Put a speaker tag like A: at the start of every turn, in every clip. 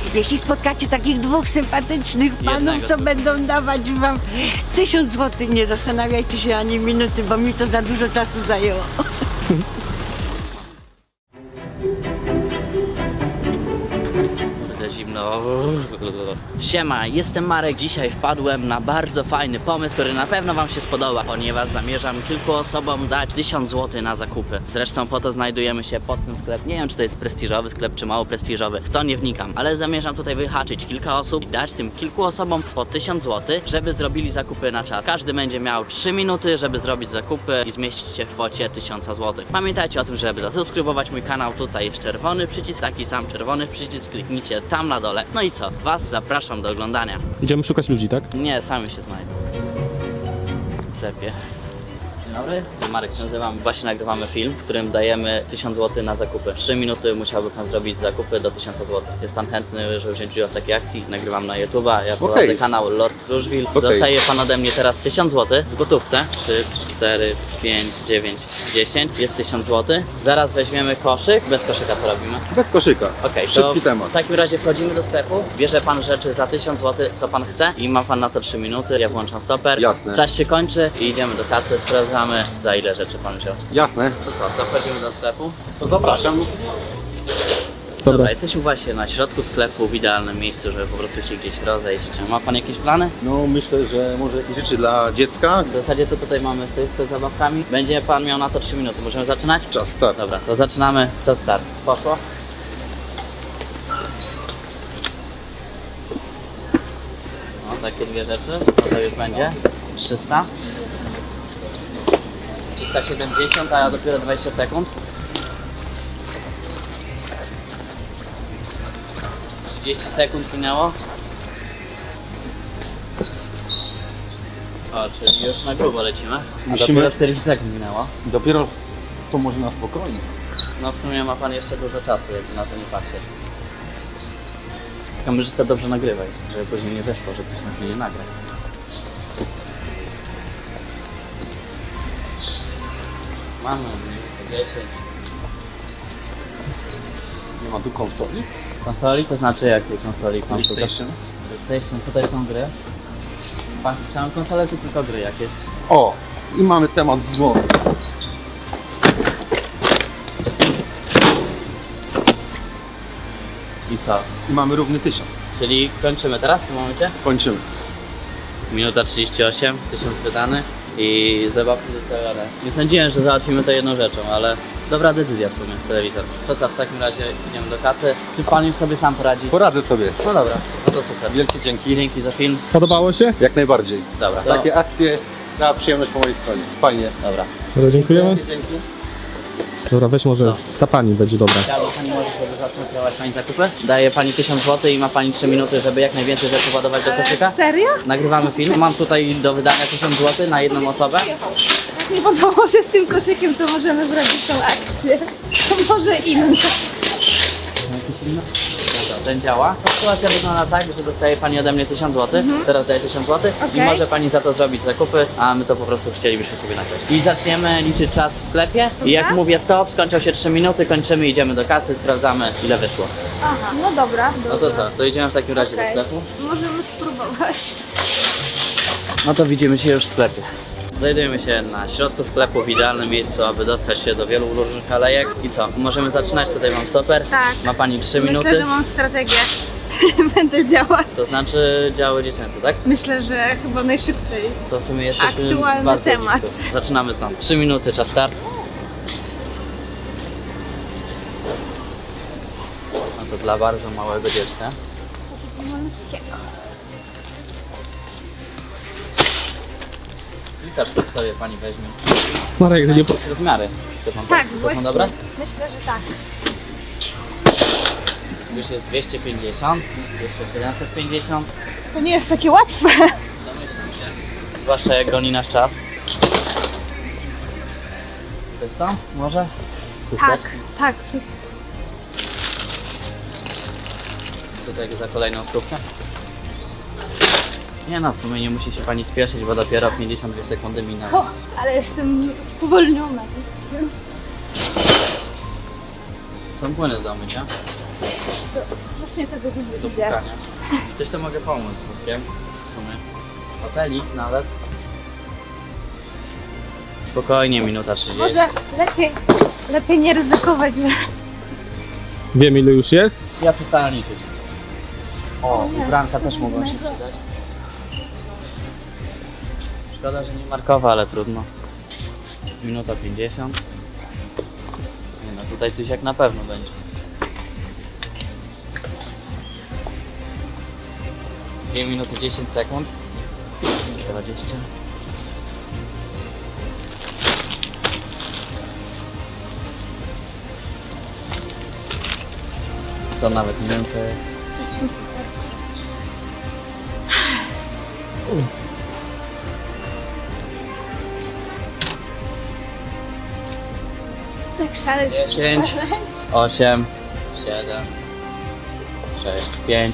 A: Jeśli spotkacie takich dwóch sympatycznych panów,
B: Jednego
A: co
B: tylko.
A: będą dawać wam 1000 zł, nie zastanawiajcie się ani minuty, bo mi to za dużo czasu zajęło.
B: Zimno. Siema, jestem Marek. Dzisiaj wpadłem na bardzo fajny pomysł, który na pewno wam się spodoba, ponieważ zamierzam kilku osobom dać 1000 zł na zakupy. Zresztą po to znajdujemy się pod tym sklepem. Nie wiem, czy to jest prestiżowy sklep, czy mało prestiżowy. W to nie wnikam, ale zamierzam tutaj wyhaczyć kilka osób i dać tym kilku osobom po 1000 zł, żeby zrobili zakupy na czas. Każdy będzie miał 3 minuty, żeby zrobić zakupy i zmieścić się w kwocie 1000 zł. Pamiętajcie o tym, żeby zasubskrybować mój kanał. Tutaj jest czerwony przycisk, taki sam czerwony przycisk. Kliknijcie tam na dole. No i co? Was zapraszam do oglądania.
C: Idziemy szukać ludzi, tak?
B: Nie, sami się znajdą. Cepie. Dzień dobry, Marek się nazywam. Właśnie nagrywamy film, w którym dajemy 1000 zł na zakupy. 3 minuty musiałby pan zrobić zakupy do 1000 zł. Jest pan chętny, żeby wziąć udział w takiej akcji? Nagrywam na YouTube'a, ja prowadzę kanał Lord Kruszwil. Dostaje pan ode mnie teraz 1000 zł w gotówce. 3, 4, 5, 9, 10. Jest 1000 zł. Zaraz weźmiemy koszyk. Bez koszyka to robimy.
D: Bez koszyka.
B: Okej, to
D: Szybki temat.
B: w takim razie wchodzimy do sklepu, bierze pan rzeczy za 1000 zł, co pan chce i ma pan na to 3 minuty, ja włączam stoper.
D: Jasne.
B: Czas się kończy i idziemy do kasy, sprawdzamy za ile rzeczy pan wziął.
D: Jasne.
B: To co, to wchodzimy do sklepu?
D: To zapraszam.
B: Dobra, jesteśmy właśnie na środku sklepu, w idealnym miejscu, żeby po prostu się gdzieś rozejść. Ma pan jakieś plany?
D: No myślę, że może jakieś rzeczy dla dziecka.
B: W zasadzie to tutaj mamy stoisko z zabawkami. Będzie pan miał na to 3 minuty, możemy zaczynać?
D: Czas start.
B: Dobra, to zaczynamy, czas start. Poszło? No, takie dwie rzeczy, to już będzie 300 370, a ja dopiero 20 sekund 30 sekund minęło. O, czyli już na grubo lecimy. A
D: Musimy-
B: dopiero 40 sekund minęło.
D: Dopiero to może na spokojnie.
B: No w sumie ma pan jeszcze dużo czasu, jakby na to nie patrzeć. Kamerzysta dobrze nagrywaj, żeby później nie wyszło, że coś na nie nagra. Mamy 10.
D: Nie ma tu konsoli.
B: Konsoli, to znaczy jakiej konsoli? Pan tutaj?
D: PlayStation.
B: PlayStation, tutaj są gry. Pan chciał konsolę czy tylko gry jakieś?
D: O! I mamy temat z głowy.
B: I co?
D: I mamy równy 1000.
B: Czyli kończymy teraz w tym momencie?
D: Kończymy.
B: Minuta 38, 1000 wydany i zabawki zostawione. Nie sądziłem, że załatwimy to jedną rzeczą, ale dobra decyzja w sumie, telewizor. To co, w takim razie idziemy do kasy. Czy pan już sobie sam poradzi?
D: Poradzę sobie.
B: No dobra, no to super.
D: Wielkie dzięki.
B: Dzięki za film.
C: Podobało się?
D: Jak najbardziej.
B: Dobra, to,
D: Takie akcje na przyjemność po mojej stronie. Fajnie.
B: dobra.
C: Dobra, dziękujemy.
D: Wielkie dzięki.
C: Dobra, weź może
B: Co?
C: ta pani będzie dobra.
B: Chciałaby pani może sobie zacząć kierować pani zakupy? Daje pani 1000 zł i ma pani 3 minuty, żeby jak najwięcej rzeczy ładować do koszyka.
E: Serio?
B: Nagrywamy film, mam tutaj do wydania 1000 zł na jedną osobę.
E: Jak mi podobało, że z tym koszykiem to możemy zrobić tą akcję. To może inne.
B: Jakieś inne? Dobra, ten działa. Sytuacja wygląda tak, że dostaje pani ode mnie 1000 zł, teraz daje 1000 zł i
E: Okej.
B: może pani za to zrobić zakupy, a my to po prostu chcielibyśmy sobie nagrać. I zaczniemy liczyć czas w sklepie i jak mówię stop, skończą się 3 minuty, kończymy, idziemy do kasy, sprawdzamy ile wyszło.
E: Aha, no dobra.
B: No to co, to idziemy w takim razie do
E: Okej.
B: sklepu.
E: Możemy spróbować.
B: No to widzimy się już w sklepie. Znajdujemy się na środku sklepu, w idealnym miejscu, aby dostać się do wielu różnych alejek. I co, możemy zaczynać, tutaj mam stoper.
E: Tak.
B: Ma pani 3 minuty.
E: Myślę, że mam strategię. Będę działać.
B: To znaczy działy dziecięce, tak?
E: Myślę, że chyba najszybciej.
B: To w sumie jesteśmy
E: Aktualny
B: bardzo
E: temat.
B: blisko. Zaczynamy stąd. 3 minuty, czas start. No to dla bardzo małego dziecka.
E: Malutkiego.
B: Kilka sztuk sobie pani weźmie.
C: Marek, nie po...
B: Rozmiary. To są,
E: Tak,
B: to są
E: właśnie.
B: dobre?
E: Myślę, że tak.
B: Już jest 250, jeszcze 750.
E: To nie jest takie łatwe.
B: Domyślam się. Zwłaszcza jak goni nasz czas. Co jest tam? Może?
E: Tak, tak.
B: Tutaj za kolejną stówkę. Nie no, w sumie nie musi się pani spieszyć, bo dopiero 52 sekundy minęły.
E: O, ale jestem spowolniona.
B: Są płyny do mycia.
E: to strasznie tego długo
B: do
E: idzie.
B: pukania. Coś to mogę pomóc z wózkiem. W sumie. Hotelik nawet. Spokojnie, minuta 30.
E: Może lepiej nie ryzykować, że...
C: Wiem ile już jest.
B: Ja przestałem liczyć. O,
E: nie.
B: ubranka też mogą się przydać. Szkoda, że nie markowa, ale trudno. Minuta 50. Nie no, tutaj tysiak na pewno będzie. 2 minuty 10 sekund. 20. To nawet nie wiem co jest.
E: Coś super. Tak szaleć.
B: 10, 8, 7, 6, 5.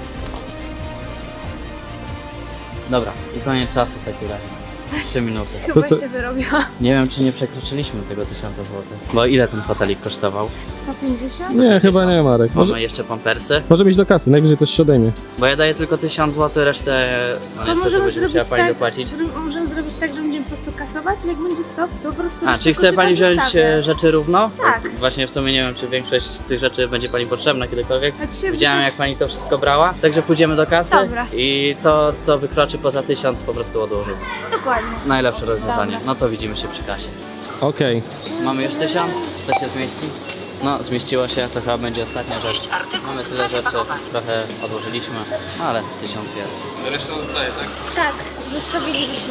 B: Dobra, i koniec czasu w takim razie. 3 minuty.
E: Chyba
C: To co-
E: się wyrobiła.
B: Nie wiem, czy nie przekroczyliśmy tego 1000 zł. Bo ile ten fotelik kosztował?
E: 150?
C: Nie, chyba nie Marek.
B: Mamy jeszcze pampersy.
C: Możemy iść do kasy, najwyżej coś się odejmie.
B: Bo ja daję tylko 1000 zł, resztę no
E: To
B: niestety
E: możemy
B: będzie musiała
E: zrobić
B: pani
E: tak,
B: dopłacić.
E: możemy zrobić tak, że będziemy po prostu kasować, jak będzie stop, to po prostu...
B: A,
E: resztę
B: czy chce pani
E: koszyka
B: wziąć
E: zostawię.
B: rzeczy równo?
E: Tak.
B: Właśnie w sumie nie wiem, czy większość z tych rzeczy będzie pani potrzebna kiedykolwiek.
E: A dzisiaj
B: Widziałem jak pani to wszystko brała, także pójdziemy do kasy
E: Dobra.
B: i to co wykroczy poza 1000 po prostu odłożymy.
E: Dokładnie.
B: Najlepsze rozwiązanie.
E: Dobra.
B: No to widzimy się przy kasie.
C: Okej.
B: Mamy już 1000, to się zmieści? No, zmieściło się, to chyba będzie ostatnia rzecz. Mamy tyle rzeczy, trochę odłożyliśmy, no ale 1000 jest.
E: Tak, zostawiliśmy.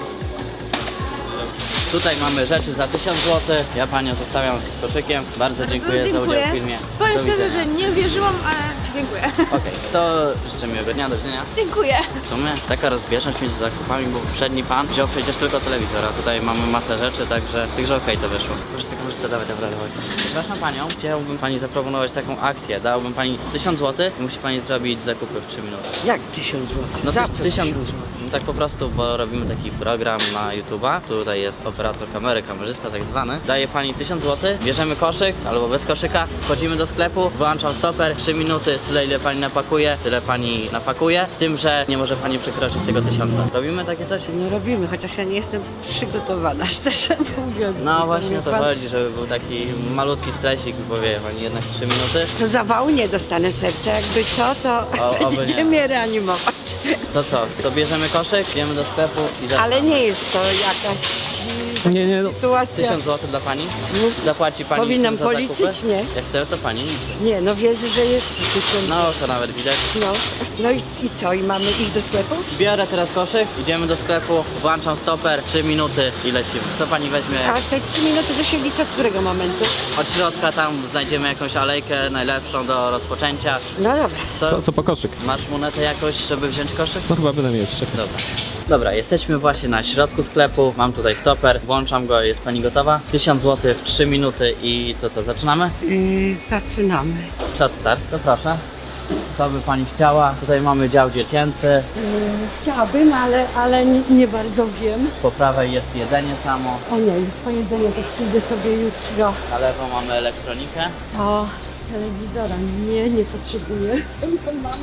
B: Tutaj mamy rzeczy za 1000 zł. Ja panią zostawiam z koszykiem. Bardzo dziękuję za udział w filmie.
E: Powiem
B: Do
E: szczerze,
B: widzenia.
E: że nie wierzyłam, ale dziękuję.
B: Okej, to życzę miłego dnia, do widzenia.
E: Dziękuję.
B: W sumie taka rozbieżność między zakupami, bo poprzedni pan wziął przecież tylko telewizor, a tutaj mamy masę rzeczy, także okej, to wyszło. Korzysta, dawaj, dobra. Przepraszam panią, chciałbym pani zaproponować taką akcję. Dałbym pani 1000 zł i musi pani zrobić zakupy w 3 minuty.
A: Jak 1000 zł?
B: No
A: Za
B: to
A: co
B: 1000
A: zł?
B: no tak po prostu, bo robimy taki program na YouTube'a. Tutaj jest operator kamery, kamerzysta tak zwany. Daje pani 1000 zł, bierzemy koszyk albo bez koszyka, wchodzimy do sklepu, wyłączam stoper, 3 minuty, tyle ile pani napakuje, tyle pani napakuje, z tym, że nie może pani przekroczyć tego 1000. Robimy takie coś?
A: Nie robimy, chociaż ja nie jestem przygotowana, szczerze mówiąc.
B: No właśnie o to
A: Pan-
B: chodzi, żeby był taki malutki stresik, bo wie pani, jednak 3 minuty.
A: To zawału nie dostanę serca, jakby co, to
B: oby
A: będziecie
B: nie.
A: mnie reanimować.
B: To co, to bierzemy koszyk, idziemy do sklepu i zaczynamy.
A: Ale nie jest to jakaś
C: Nie, no.
A: sytuacja.
B: 1000 zł dla pani? Zapłaci pani
A: Powinnam
B: za
A: policzyć?
B: zakupy?
A: Nie.
B: Jak chce, to pani liczy.
A: Nie, no wierzę, że jest 1000.
B: No to nawet widać.
A: No, no i co? I mamy iść do sklepu?
B: Biorę teraz koszyk, idziemy do sklepu, włączam stoper, 3 minuty i lecimy. Co pani weźmie?
A: A te 3 minuty to się liczy od którego momentu?
B: Od środka tam znajdziemy jakąś alejkę najlepszą do rozpoczęcia.
A: No dobra.
B: To
C: Co po koszyk?
B: masz monetę jakoś, żeby wziąć koszyk?
C: No chyba będę mieć. Czekaj.
B: Dobra. Dobra, jesteśmy właśnie na środku sklepu, mam tutaj stoper, włączam go, jest pani gotowa? 1000 zł w 3 minuty i to co, zaczynamy?
A: Zaczynamy.
B: Czas start, to proszę. Co by pani chciała? Tutaj mamy dział dziecięcy,
A: Chciałabym, ale nie bardzo wiem.
B: po prawej jest jedzenie samo,
A: O nie, po jedzeniu to przyjdę sobie jutro.
B: na lewo mamy elektronikę.
A: O, telewizora nie potrzebuję. Tylko mam.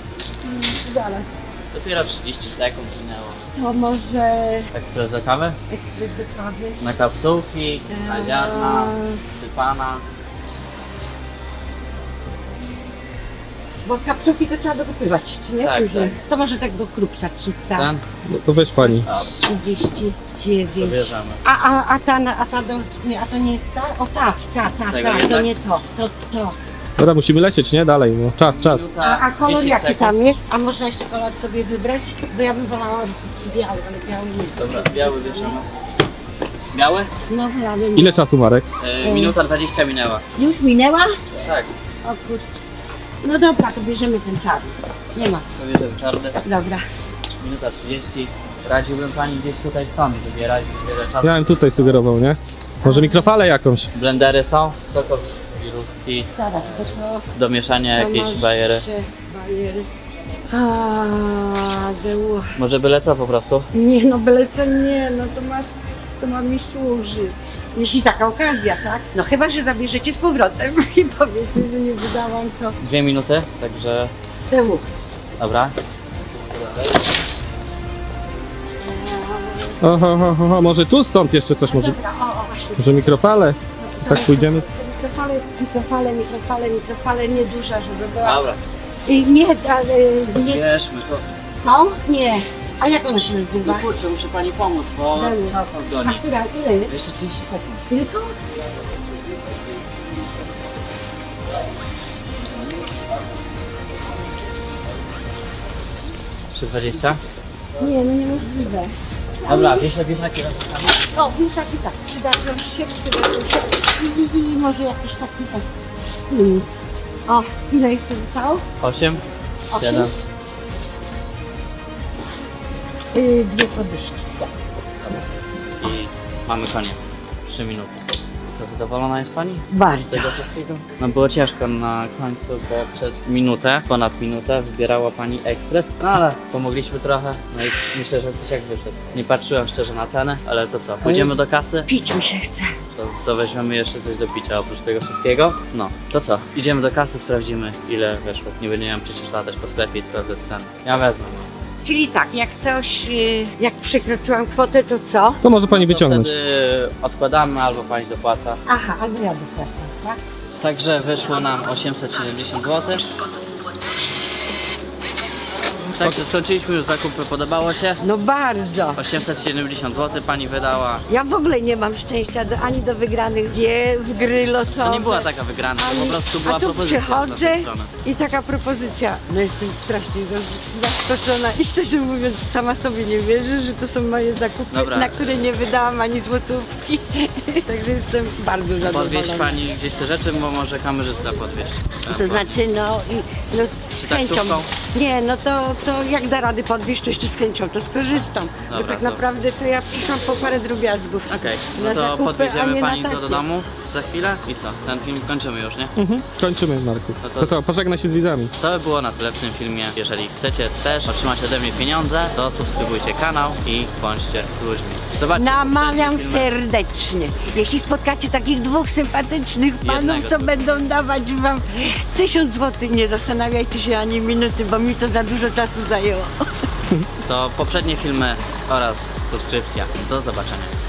A: Zaraz.
B: Dopiero 30 sekund minęło.
A: To może
B: Ekspres do kawy?
A: ekspres do kawy.
B: Na kapsułki, na ziarna, sypana.
A: Bo kapsułki to trzeba dokupywać, czy nie?
B: Tak,
A: Później.
B: tak.
A: To może tak do krupsa 300.
B: Ten?
C: No to weź pani.
B: Dobra,
A: 39.
B: to bierzemy.
A: A ta do, nie, a to nie jest ta? O ta,
B: Tego
A: to
B: jednak?
A: nie to, to.
C: Dobra, musimy lecieć, nie? Dalej, no. Czas.
A: A kolor
B: 10
A: jaki
B: sekund.
A: tam jest? A można jeszcze kolor sobie wybrać? Bo ja bym wolała biały, ale biały nie.
B: Dobra, biały bierzemy. Biały?
A: Znowu ale nie.
C: Ile czasu, Marek?
B: Minuta 20 minęła.
A: Już minęła?
B: Tak,
A: O kurczę. No dobra, to bierzemy ten czarny. Nie ma.
B: to bierzemy czarny.
A: Dobra.
B: Minuta 30. Radziłbym pani gdzieś tutaj stąd wybierać, wiele czasu.
C: Ja bym tutaj sugerował, nie? Może mikrofalę jakąś.
B: Blendery są, sokowirówki,
A: Zaraz, to to
B: do mieszania jakieś
A: masz
B: bajery.
A: jeszcze bajery. A, było.
B: Może byle co po prostu?
A: Nie no, byle co nie, no to masz to ma mi służyć. Jeśli taka okazja, tak? No chyba, że zabierzecie z powrotem i powiecie, że nie wydałam to.
B: 2 minuty, także
A: Temu.
B: dobra.
C: Oho, może tu stąd jeszcze coś, może,
A: Dobra, o właśnie.
C: może mikrofale? Tak pójdziemy?
A: Mikrofale nieduża, żeby była.
B: Dobra,
A: I nie, ale nie.
B: bierzmy to.
A: No? Nie. A jak ono się nazywa?
B: No kurczę, muszę pani pomóc, bo
A: Daj mi.
B: czas nas
A: A
B: goni.
A: która? Ile jest?
B: Jeszcze 30 sekund.
A: Tylko?
B: Jeszcze 20?
A: Nie, no niemożliwe.
B: Dobra, wieszaki.
A: O, wieszaki tak, przydadzą się. I może jakiś taki tak. O, ile jeszcze zostało?
B: 8,
A: 8?
B: 7.
A: 2 poduszki.
B: I mamy koniec. 3 minuty. Co, zadowolona jest pani? Z
A: Bardzo.
B: tego wszystkiego? No było ciężko na końcu, bo przez minutę, ponad minutę wybierała pani ekspres, no ale pomogliśmy trochę, no i myślę, że tysiak wyszedł. Nie patrzyłem szczerze na cenę, ale to co, pójdziemy do kasy?
A: Pić mi się chce.
B: To weźmiemy jeszcze coś do picia oprócz tego wszystkiego. No, to co, idziemy do kasy, sprawdzimy ile wyszło. Nie będziemy przecież latać po sklepie i sprawdzać ceny. Ja wezmę.
A: Czyli tak, jak coś, jak przekroczyłam kwotę, to co?
C: To może pani
B: To
C: wyciągnąć.
B: wtedy odkładamy albo pani dopłaca.
A: Aha, albo ja dopłacam, tak?
B: Także wyszło nam 870 zł. Także skończyliśmy już zakupy, podobało się?
A: No bardzo.
B: 870 zł pani wydała.
A: Ja w ogóle nie mam szczęścia ani do wygranych gier w gry losowe.
B: To nie była taka wygrana, to po prostu była
A: A tu
B: propozycja z
A: przychodzę
B: naszej strony.
A: i taka propozycja. No jestem strasznie zaskoczona i szczerze mówiąc sama sobie nie wierzę, że to są moje zakupy,
B: Dobra.
A: na które nie wydałam ani złotówki. Także jestem bardzo zadowolona.
B: Podwieźć pani gdzieś te rzeczy, bo może kamerzysta podwieźć.
A: To znaczy no z
B: Czy
A: chęcią.
B: taksówką?
A: Nie, no to jak da rady podwieźć, to jeszcze z chęcią to skorzystam. Bo
B: Dobra,
A: tak
B: dobra.
A: naprawdę to ja przyszłam po parę drobiazgów.
B: Okej,
A: Na
B: no to
A: zakupy, a
B: podwieziemy
A: nie na
B: pani to do
A: takie.
B: domu za chwilę i co? Ten film kończymy już, nie?
C: Kończymy, Marku.
B: No to-
C: To co, pożegnaj się z widzami.
B: To by było na tyle w tym filmie. Jeżeli chcecie też otrzymać ode mnie pieniądze, to subskrybujcie kanał i bądźcie ludźmi. Zobaczcie
A: Namawiam
B: poprzednie filmy.
A: serdecznie. Jeśli spotkacie takich dwóch sympatycznych panów,
B: Jednego
A: co
B: tylko.
A: będą dawać wam 1000 zł, nie zastanawiajcie się ani minuty, bo mi to za dużo czasu zajęło.
B: To poprzednie filmy oraz subskrypcja. Do zobaczenia.